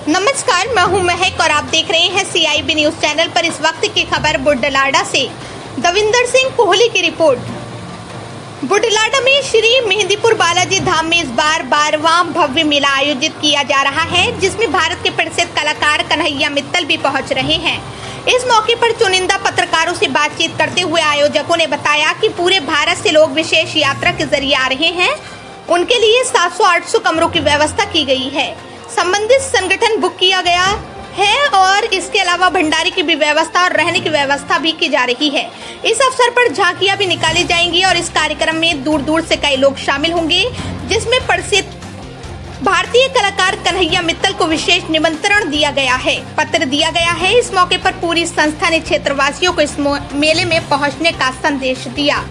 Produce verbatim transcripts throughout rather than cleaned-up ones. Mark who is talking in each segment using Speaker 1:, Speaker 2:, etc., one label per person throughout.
Speaker 1: नमस्कार, मैं हूं महक और आप देख रहे हैं C I B news channel पर इस वक्त की खबर बुढलाडा से। दविंदर सिंह कोहली की रिपोर्ट। बुढलाडा में श्री मेहंदीपुर बालाजी धाम में इस बार बारहवां भव्य मेला आयोजित किया जा रहा है, जिसमें भारत के प्रसिद्ध कलाकार कन्हैया मित्तल भी पहुंच रहे हैं। इस मौके पर चुनिंदा पत्रकारों से बातचीत करते हुए आयोजकों ने बताया कि पूरे भारत से लोग विशेष यात्रा के जरिए आ रहे हैं। उनके लिए सात सौ आठ सौ कमरों की व्यवस्था की गई है। संबंधित संगठन बुक किया गया है और इसके अलावा भंडारे की भी व्यवस्था और रहने की व्यवस्था भी की जा रही है। इस अवसर पर झांकियां भी निकाली जाएंगी और इस कार्यक्रम में दूर दूर से कई लोग शामिल होंगे, जिसमें प्रसिद्ध भारतीय कलाकार कन्हैया मित्तल को विशेष निमंत्रण दिया गया है, पत्र दिया गया है। इस मौके पर पूरी संस्था ने क्षेत्रवासियों को इस मेले में पहुंचने का संदेश दिया।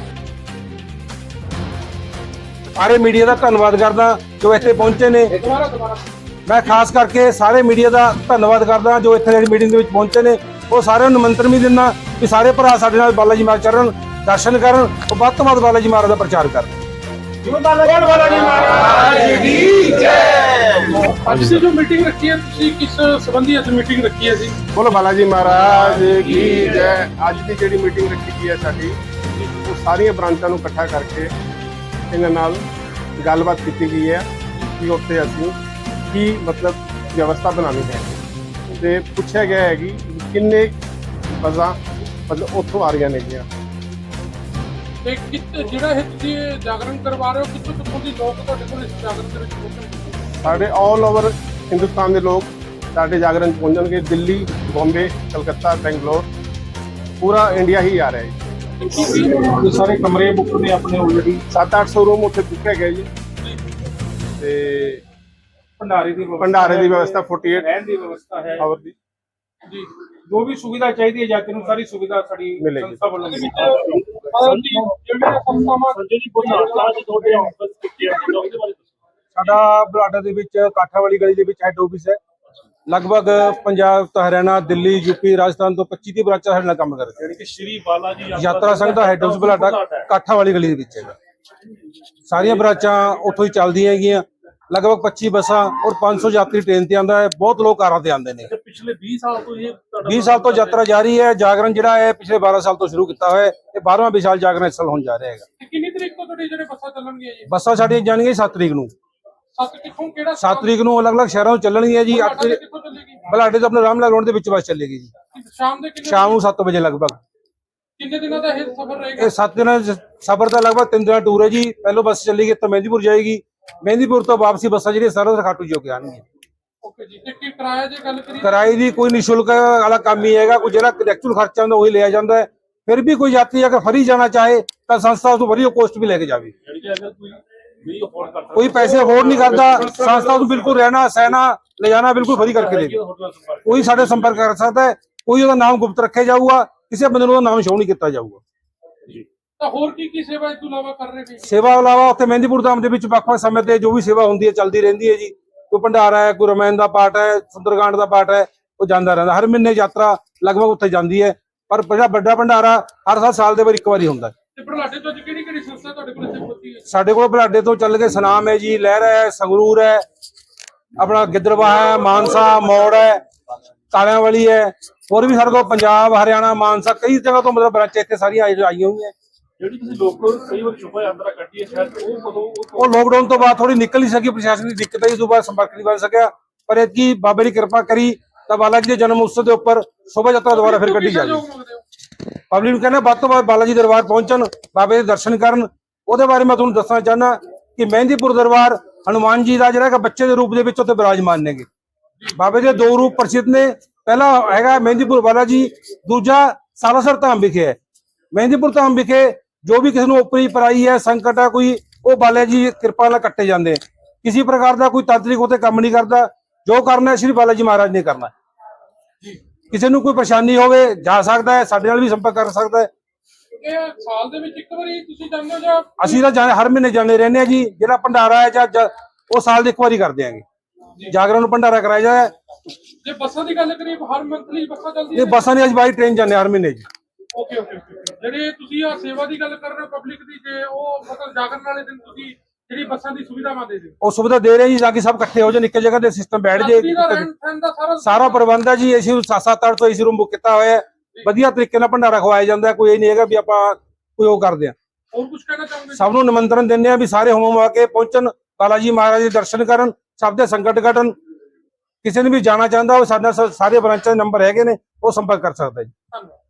Speaker 2: सारे मीडिया का धन्यवाद करदा जो इत्थे पहुंचे ने। मैं खास करके सारे मीडिया का धन्यवाद करदा जो इत्थे मीटिंग दे विच पहुंचे ने। वो सारे निमंत्रण भी दिना कि सारे भरा साडे नाल बालाजी महाराज चरण दर्शन करन और वध तों वध बालाजी महाराज का प्रचार करन।
Speaker 3: ਅੱਜ ਦੀ ਜੋ ਮੀਟਿੰਗ ਰੱਖੀ ਹੈ ਤੁਸੀਂ ਕਿਸ ਸੰਬੰਧੀ ਅੱਜ ਮੀਟਿੰਗ ਰੱਖੀ ਹੈ ਜੀ?
Speaker 4: बोलो बालाजी महाराज की जय। ਅੱਜ ਦੀ ਜਿਹੜੀ ਮੀਟਿੰਗ ਰੱਖੀ ਗਈ ਹੈ ਸਾਡੀ ਉਹ ਸਾਰੀਆਂ ਬ੍ਰਾਂਚਾਂ ਨੂੰ ਇਕੱਠਾ ਕਰਕੇ ਇਹਨਾਂ ਨਾਲ ਗੱਲਬਾਤ ਕੀਤੀ ਗਈ ਹੈ ਕਿ ਉੱਥੇ ਅਸੀਂ ਕੀ ਮਤਲਬ ਵਿਵਸਥਾ ਬਣਾਉਣੀ ਹੈ ਤੇ ਪੁੱਛਿਆ ਗਿਆ ਹੈ ਕਿ ਕਿੰਨੇ ਬੱਸਾਂ ਮਤਲਬ ਉੱਥੋਂ ਆ ਰਹੀਆਂ ਨੇਗੀਆਂ।
Speaker 3: ਤੇ ਕਿੱਥੇ ਜਿਹੜਾ ਇਹ ਤੁਸੀਂ ਇਹ ਜਾਗਰਣ ਕਰਵਾ ਰਹੇ ਹੋ, ਕਿੱਥੋਂ ਕਿੱਥੋਂ ਦੀ ਲੋਕ ਤੁਹਾਡੇ ਕੋਲ ਇਸ ਜਾਗਰਣ ਦੇ ਵਿੱਚ ਪਹੁੰਚਣਗੇ?
Speaker 4: ਸਾਡੇ ਆਲ ਓਵਰ ਹਿੰਦੁਸਤਾਨ ਦੇ ਲੋਕ ਸਾਡੇ ਜਾਗਰਣ 'ਚ ਪਹੁੰਚਣਗੇ। ਦਿੱਲੀ, ਬੰਬੇ, ਕਲਕੱਤਾ, ਬੈਂਗਲੌਰ, ਪੂਰਾ ਇੰਡੀਆ ਹੀ ਆ ਰਿਹਾ ਹੈ।
Speaker 2: ये सारे कमरे बुक ने अपने ऑलरेडी
Speaker 4: ਸੱਤ ਅੱਠ सौ रूम ਉੱਥੇ ਬੁੱਕ ਹੈਗੇ ਜੀ ਤੇ
Speaker 2: भंडारे की
Speaker 4: ਭੰਡਾਰੇ ਦੀ ਵਿਵਸਥਾ अड़तालीस
Speaker 2: रहने की व्यवस्था है।
Speaker 4: ਆਵਰ ਦੀ
Speaker 3: ਜੀ
Speaker 2: जो भी सुविधा चाहिए जाति ਨੂੰ ਸਾਰੀ ਸੁਵਿਧਾ ਸਾਡੀ
Speaker 4: ਮਿਲੇਗੀ।
Speaker 2: ਸੰਸਥਾ ਵੱਲੋਂ ਮਿਲੇਗੀ।
Speaker 3: ਜਿਹੜੀਆਂ ਸੰਸਥਾਵਾਂ ਸੰਜੇ ਜੀ ਬੁਢਲਾਡਾ ਦੇ ਤੁਹਾਡੇ ਆਫਿਸ ਕਿੱਥੇ ਆ ਉਹਦੇ ਬਾਰੇ
Speaker 2: ਸਾਡਾ ਬੁਢਲਾਡਾ ਦੇ ਵਿੱਚ ਕਾਠਾਵਾਲੀ ਗਲੀ ਦੇ ਵਿੱਚ ਹੈੱਡ ਆਫਿਸ ਹੈ। ਲਗਭਗ ਪੰਜਾਬ ਤੋਂ ਹਰਿਆਣਾ, ਦਿੱਲੀ, ਯੂਪੀ, ਰਾਜਸਥਾਨ ਤੋਂ पच्चीस ਦੀ ਬ੍ਰਾਂਚਾਂ ਸਾਡੇ ਨਾਲ ਕੰਮ ਕਰ ਰਹੀਆਂ।
Speaker 3: ਯਾਨੀ ਕਿ ਸ਼੍ਰੀ ਬਾਲਾਜੀ
Speaker 2: ਯਾਤਰਾ ਸੰਘ ਦਾ ਹੈੱਡ ਆਫਿਸ ਬੁਢਲਾਡਾ ਕਾਠਾਵਾਲੀ ਗਲੀ ਦੇ ਵਿੱਚ ਹੈਗਾ। ਸਾਰੀਆਂ ਬ੍ਰਾਂਚਾਂ ਉੱਥੋਂ ਹੀ ਚੱਲਦੀਆਂ ਹੈਗੀਆਂ। ਲਗਭਗ पच्चीस ਬੱਸਾਂ ਔਰ पाँच सौ यात्री ट्रेन ਤੇ ਆਉਂਦਾ ਹੈ। ਬਹੁਤ ਲੋਕ ਕਾਰਾਂ ਤੇ ਆਉਂਦੇ ਨੇ।
Speaker 3: ਪਿਛਲੇ बीस ਸਾਲ ਤੋਂ ਇਹ
Speaker 2: बीस ਸਾਲ ਤੋਂ ਯਾਤਰਾ ਜਾਰੀ ਹੈ। ਜਾਗਰਣ ਜਿਹੜਾ ਹੈ ਪਿਛਲੇ बारह ਸਾਲ ਤੋਂ ਸ਼ੁਰੂ ਕੀਤਾ ਹੋਇਆ ਹੈ। ਇਹ ਬਾਰਹਵਾਂ ਵਿਸ਼ਾਲ ਜਾਗਰਣ ਇਸ ਸਾਲ ਹੋਣ ਜਾ ਰਿਹਾ ਹੈਗਾ।
Speaker 3: ਕਿੰਨੀ ਤਰੀਕ ਤੋਂ ਤੁਹਾਡੇ ਜਿਹੜੇ ਬੱਸਾਂ ਚੱਲਣਗੀਆਂ ਜੀ?
Speaker 2: ਬੱਸਾਂ ਸਾਡੀਆਂ ਜਾਣਗੀਆਂ ਸੱਤ ਤਰੀਕ ਨੂੰ।
Speaker 3: ਸੱਤ ਕਿੱਥੋਂ ਕਿਹੜਾ
Speaker 2: ਸੱਤ ਤਰੀਕ ਨੂੰ ਅਲੱਗ-ਅਲੱਗ ਸ਼ਹਿਰਾਂ ਤੋਂ ਚੱਲਣਗੀਆਂ ਜੀ। ਅੱਠ
Speaker 3: ਬੁਢਲਾਡਾ ਕਿੱਥੋਂ ਚੱਲੇਗੀ?
Speaker 2: ਬੁਢਲਾਡੇ ਤੋਂ ਆਪਣੇ ਰਾਮਲਾਲ ਰੋਡ ਦੇ ਵਿੱਚ ਬੱਸ ਚੱਲੇਗੀ ਜੀ।
Speaker 3: ਸ਼ਾਮ ਦੇ ਕਿੰਨੇ
Speaker 2: ਸ਼ਾਮ ਨੂੰ ਸੱਤ ਵਜੇ ਲਗਭਗ।
Speaker 3: ਕਿੰਨੇ ਦਿਨਾਂ ਦਾ ਇਹ ਸਫ਼ਰ ਰਹੇਗਾ?
Speaker 2: ਇਹ ਸੱਤ ਦਿਨਾਂ ਦਾ ਸਫ਼ਰ ਦਾ ਲਗਭਗ ਤਿੰਨ ਦਿਨਾਂ ਟੂਰ ਹੈ ਜੀ। ਪਹਿਲੋਂ ਬੱਸ ਚੱਲੇਗੀ ਤਾਂ ਮਹਿੰਦੀਪੁਰ ਜਾਏਗੀ। ਮਹਿੰਦੀਪੁਰ ਤੋਂ ਵਾਪਸੀ ਬੱਸਾਂ ਜਿਹੜੀਆਂ ਸਰਹੰਦ ਖਾਟੂ ਜੀ ਹੋ ਕੇ ਆਉਣਗੀਆਂ।
Speaker 3: ਓਕੇ ਜੀ। ਤੇ ਕੀ ਕਿਰਾਇਆ ਜੇ ਗੱਲ ਕਰੀਏ?
Speaker 2: ਕਿਰਾਏ ਦੀ ਕੋਈ ਨਿਸ਼ੁਲਕ ਵਾਲਾ ਕੰਮ ਹੀ ਹੈਗਾ। ਕੋਈ ਜਿਹੜਾ ਐਕਚੁਅਲ ਖਰਚਾ ਹੁੰਦਾ ਉਹੀ ਲਿਆ ਜਾਂਦਾ ਹੈ। ਫਿਰ ਵੀ ਕੋਈ ਯਾਤਰੀ ਅਗਰ ਫਰੀ ਜਾਣਾ ਚਾਹੇ ਤਾਂ ਸੰਸਥਾ ਉਸ ਤੋਂ ਵਧੀਆ ਕੋਸਟ ਵੀ ਲੈ ਕੇ ਜਾਵੇ।
Speaker 3: ਯਾਨੀ ਕਿ ਅਗਰ ਕੋਈ ਨਹੀਂ ਅਫੋਰਡ ਕਰਦਾ
Speaker 2: ਕੋਈ ਪੈਸੇ ਅਫੋਰਡ ਨਹੀਂ ਕਰਦਾ, ਸੰਸਥਾ ਨੂੰ ਬਿਲਕੁਲ ਰਹਿਣਾ ਸਹਿਣਾ ਲੈ ਜਾਣਾ ਬਿਲकुल ਫਰੀ ਕਰਕੇ ਦੇਵੇ। ਕੋਈ ਸਾਡੇ ਸੰਪਰਕ ਕਰ ਸਕਦਾ ਹੈ। ਕੋਈ ਉਹਦਾ ਨਾਮ ਗੁਪਤ ਰੱਖਿਆ ਜਾਊਗਾ। ਕਿਸੇ ਬੰਦੇ ਨੂੰ ਉਹਦਾ ਨਾਮ ਸ਼ੋਅ ਨਹੀਂ ਕੀਤਾ ਜਾਊਗਾ।
Speaker 3: ਤਾਂ ਹੋਰ ਕੀ ਕੀ ਸੇਵਾ ਇਸ ਤੋਂ ਇਲਾਵਾ ਕਰ ਰਹੇ ਨੇ?
Speaker 2: ਸੇਵਾ ਇਲਾਵਾ ਉੱਥੇ ਮਹਿੰਦੀਪੁਰ ਧਾਮ ਦੇ ਵਿੱਚ ਵੱਖ-ਵੱਖ ਸਮੇਂ ਤੇ ਜੋ ਵੀ ਸੇਵਾ ਹੁੰਦੀ ਹੈ ਚੱਲਦੀ ਰਹਿੰਦੀ ਹੈ ਜੀ। ਕੋਈ ਭੰਡਾਰਾ ਹੈ, ਕੋਈ ਰਮਾਇਣ ਦਾ ਪਾਠ ਹੈ, ਸੁੰਦਰਕਾਂਡ ਦਾ ਪਾਠ ਹੈ, ਉਹ ਜਾਂਦਾ ਰਹਿੰਦਾ। ਹਰ ਮਹੀਨੇ ਯਾਤਰਾ ਲਗਭਗ ਉੱਥੇ ਜਾਂਦੀ ਹੈ। ਪਰ ਜਿਹੜਾ ਵੱਡਾ ਭੰਡਾਰਾ ਹਰ ਸਾਲ ਸਾਲ ਦੇ ਬਾਅਦ ਇੱਕ ਵਾਰੀ ਹੁੰਦਾ ਹੈ।
Speaker 3: ਤੇ ਬੁਢਲਾਡੇ ਤੋਂ ਅੱਜ ਕਿਹੜੀ ਕਿਹੜੀ ਸੰਸਥਾ ਤੁਹਾਡੇ ਕੋਲ ਇੱਥੇ ਪਹੁੰਚੀ ਹੈ?
Speaker 2: ਸਾਡੇ ਕੋਲ ਬੁਢਲਾਡੇ ਤੋਂ ਚੱਲ ਕੇ ਸਨਾਮ ਹੈ ਜੀ, ਲਹਿਰਾ ਹੈ, ਸੰਗਰੂਰ ਹੈ, ਆਪਣਾ ਗਿੱਦੜਬਾਹਾ ਹੈ, ਮਾਨਸਾ, ਮੌੜ ਹੈ, ਕਾਲਿਆਂ ਵਾਲੀ ਹੈ। ਹੋਰ ਵੀ ਸਾਡੇ ਕੋਲ ਪੰਜਾਬ, ਹਰਿਆਣਾ, ਮਾਨਸਾ ਕਈ ਜਗ੍ਹਾ ਤੋਂ ਮਤਲਬ ਬ੍ਰਾਂਚ ਇੱਥੇ ਸਾਰੀਆਂ ਆਈਆਂ ਹੋਈਆਂ।
Speaker 3: ਜਿਹੜੀ ਤੁਸੀਂ ਲੋਕ ਕਈ ਵਾਰ ਸ਼ੁਭਾ ਯਾਤਰਾ ਕੱਢੀ ਹੈ ਸ਼ਾਇਦ ਉਹ ਕਦੋਂ
Speaker 2: ਉਹ ਲੋਕਡਾਊਨ ਤੋਂ ਬਾਅਦ ਥੋੜੀ ਨਿਕਲ ਨਹੀਂ ਸਕੀ, ਪ੍ਰਸ਼ਾਸਨ ਦੀ ਦਿੱਕਤ ਆਈ, ਉਸ ਤੋਂ ਬਾਅਦ ਸੰਪਰਕ ਨਹੀਂ ਬਣ ਸਕਿਆ। ਪਰ ਇਤਕੀ ਬਾਬੇ ਦੀ ਕਿਰਪਾ ਕਰੀ ਤਾਂ ਬਾਲਾਜੀ ਦੇ ਜਨਮ ਉਤਸਵ ਦੇ ਉੱਪਰ ਸ਼ੋਭਾ ਯਾਤਰਾ ਦੁਬਾਰਾ ਫਿਰ ਕੱਢੀ ਜਾਵੇ। ਪਬਲਿਕ ਨੂੰ ਕਹਿੰਦਾ ਵੱਧ ਤੋਂ ਵੱਧ ਬਾਲਾਜੀ ਦਰਬਾਰ ਪਹੁੰਚਣ, ਬਾਬੇ ਦੇ ਦਰਸ਼ਨ ਕਰਨ। ਉਹਦੇ ਬਾਰੇ ਮੈਂ ਤੁਹਾਨੂੰ ਦੱਸਣਾ ਚਾਹੁੰਦਾ ਕਿ ਮਹਿੰਦੀਪੁਰ ਦਰਬਾਰ ਹਨੂਮਾਨ ਜੀ ਦਾ ਜਿਹੜਾ ਕਿ ਬੱਚੇ ਦੇ ਰੂਪ ਦੇ ਵਿੱਚ ਉੱਥੇ ਬਿਰਾਜਮਾਨ ਨੇਗੇ। ਬਾਬੇ ਦੇ ਦੋ ਰੂਪ ਪ੍ਰਸਿੱਧ ਨੇ। ਪਹਿਲਾ ਹੈਗਾ ਮਹਿੰਦੀਪੁਰ ਬਾਲਾਜੀ, ਦੂਜਾ ਸਾਲਾਸਰ ਧਾਮ ਵਿਖੇ ਹੈ। ਮਹਿੰਦੀਪੁਰ ਧਾਮ ਵਿਖੇ ਜੋ ਵੀ ਕਿਸੇ ਨੂੰ ਉਪਰੀ ਪਰਾਈ ਹੈ, ਸੰਕਟ ਹੈ ਕੋਈ, ਉਹ ਬਾਲਾ ਜੀ ਕਿਰਪਾ ਨਾਲ ਕੱਟੇ ਜਾਂਦੇ। ਕਿਸੇ ਪ੍ਰਕਾਰ ਦਾ ਕੋਈ ਤਾਂਤਰਿਕ ਉਤੇ ਕੰਮ ਨਹੀਂ ਕਰਦਾ। ਜੋ ਕਰਨਾ ਸ਼੍ਰੀ ਬਾਲਾ ਜੀ ਮਹਾਰਾਜ ਨੇ ਕਰਨਾ। ਕਿਸੇ ਨੂੰ ਕੋਈ ਪਰੇਸ਼ਾਨੀ ਹੋਵੇ ਜਾ ਸਕਦਾ ਹੈ, ਸਾਡੇ ਨਾਲ ਵੀ ਸੰਪਰਕ ਕਰ ਸਕਦਾ ਹੈ।
Speaker 3: ਇਹ ਸਾਲ ਦੇ ਵਿੱਚ ਇੱਕ ਵਾਰੀ ਤੁਸੀਂ ਜਾਂਦੇ ਹੋ ਜਾਂ
Speaker 2: ਅਸੀਂ ਤਾਂ ਹਰ ਮਹੀਨੇ ਜਾਂਦੇ ਰਹਿੰਦੇ ਹਾਂ ਜੀ। ਜਿਹੜਾ ਭੰਡਾਰਾ ਹੈ ਜਾਂ ਉਹ ਸਾਲ ਦੇ ਇੱਕ ਵਾਰੀ ਕਰਦੇ ਆਂਗੇ। ਜਾਗਰਣ ਨੂੰ ਭੰਡਾਰਾ ਕਰਾਇਆ ਜਾਂਦਾ ਹੈ।
Speaker 3: ਜੇ ਬੱਸਾਂ ਦੀ ਗੱਲ ਕਰੀਏ ਹਰ ਮੰਥਲੀ ਬੱਸਾਂ ਚੱਲਦੀਆਂ
Speaker 2: ਇਹ ਬੱਸਾਂ ਦੀ ਅੱਜ ਬਾਈ ਟ੍ਰੇਨ ਜਾਂਦੇ ਹਰ ਮਹੀਨੇ ਜੀ।
Speaker 3: ਓਕੇ ਓਕੇ ਜਿਹੜੇ ਤੁਸੀਂ ਆ ਸੇਵਾ ਦੀ ਗੱਲ ਕਰ ਰਹੇ ਹੋ ਪਬਲਿਕ ਦੀ, ਜੇ ਉਹ ਮਤਲਬ ਜਾਗਰਣ ਵਾਲੇ ਦਿਨ ਤੁਸੀਂ ਜਿਹੜੀ ਬੱਸਾਂ ਦੀ ਸੁਵਿਧਾਵਾਂ ਦੇ ਦਿਓ।
Speaker 2: ਉਹ ਸੁਵਿਧਾ ਦੇ ਰਹੇ ਜੀ, ਤਾਂ ਕਿ ਸਭ ਇਕੱਠੇ ਹੋ ਜਾਣ, ਇੱਕ ਜਗ੍ਹਾ ਤੇ ਸਿਸਟਮ ਬੈਠ ਜੇ।
Speaker 3: ਯਾਤਰੀ ਦਾ ਰਹਿਣ ਸਹਿਣ ਦਾ ਸਾਰਾ
Speaker 2: ਸਾਰਾ ਪ੍ਰਬੰਧ ਹੈ ਜੀ, ਏਸੀ ਸੱਤ ਸੱਤ ਅੱਠ ਸੌ ਏਸੀ ਰੂਮ ਬੁੱਕ ਕੀਤਾ ਹੋਇਆ ਹੈ, ਵਧੀਆ ਤਰੀਕੇ ਨਾਲ ਭੰਡਾਰਾ ਖਵਾਇਆ ਜਾਂਦਾ ਹੈ। ਕੋਈ ਇਹ ਨਹੀਂ ਹੈਗਾ ਵੀ ਆਪਾਂ ਕੋਈ ਉਹ ਕਰਦੇ ਆ।
Speaker 3: ਹੋਰ ਕੁਝ ਕਹਿਣਾ ਚਾਹੋਗੇ?
Speaker 2: ਸਭ ਨੂੰ ਨਿਮੰਤਰਣ ਦਿੰਦੇ ਆ ਵੀ ਸਾਰੇ ਹੋਮ ਆ ਕੇ ਪਹੁੰਚਣ, ਬਾਲਾ ਜੀ ਮਹਾਰਾਜ ਦੇ ਦਰਸ਼ਨ ਕਰਨ, ਸਭ ਦੇ ਸੰਕਟ ਕੱਟਣ। ਕਿਸੇ ਨੇ ਵੀ ਜਾਣਾ ਚਾਹੁੰਦਾ ਉਹ ਸਾਡੇ ਨਾਲ ਸਾਰੇ ਬ੍ਰਾਂਚਾਂ ਦੇ ਨੰਬਰ ਹੈਗੇ ਨੇ, ਉਹ ਸੰਪਰਕ ਕਰ ਸਕਦਾ ਜੀ।
Speaker 3: ਧੰਨਵਾਦ।